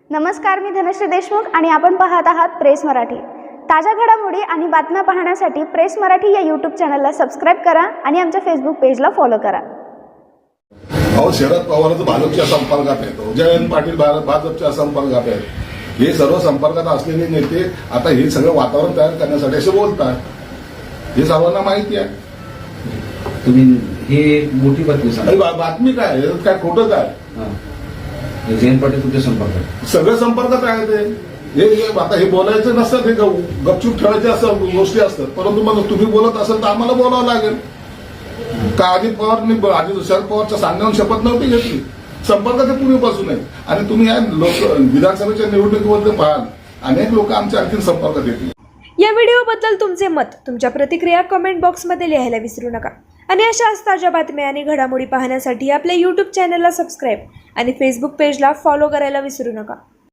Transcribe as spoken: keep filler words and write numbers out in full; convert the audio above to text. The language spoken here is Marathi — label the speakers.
Speaker 1: नमस्कार, मी धनश्री देशमुख आणि आपण पाहत आहात प्रेस मराठी। ताज्या घडामोडी आणि बातम्या पाहण्यासाठी प्रेस मराठी या यूट्यूब चॅनलला सबस्क्राइब करा आणि आमच्या फेसबुक पेजला फॉलो करा।
Speaker 2: अहो, शरद पवारचं भाजपच्या संपर्कात आहेत, जयंत पाटील भाजपच्या संपर्कात आहेत, हे सर्व संपर्कात असलेले नेते आता हे सगळं वातावरण तयार करण्यासाठी असे बोलतात, हे सर्वांना माहिती आहे।
Speaker 3: तुम्ही हे मोठी बातमी सांगा।
Speaker 2: बातमी काय काय खोटं काय?
Speaker 3: जयंत पाटील तुमच्या संपर्कात
Speaker 2: सगळं संपर्कात आहे ते। हे आता हे बोलायचं नसतं, हे गपचूप ठेवायचे असं गोष्टी असतात, परंतु मग तुम्ही बोलत असेल तर आम्हाला बोलावं लागेल का? अजित पवारनी अजित शरद पवारच्या सांगण्यावर शपथ नव्हती घेतली, संपर्कात ते पूर्वीपासून आहे। आणि तुम्ही या लोक विधानसभेच्या निवडणुकीमध्ये पाहाल, अनेक लोक आमच्या आणखी संपर्कात येतील।
Speaker 4: या व्हिडिओबद्दल तुमचे मत, तुमच्या प्रतिक्रिया कमेंट बॉक्समध्ये लिहायला विसरू नका। आणि अशाच ताज्या बातम्या आणि घडामोडी पाहण्यासाठी आपल्या यूट्यूब चॅनलला सबस्क्राईब आणि फेसबुक पेजला फॉलो करायला विसरू नका।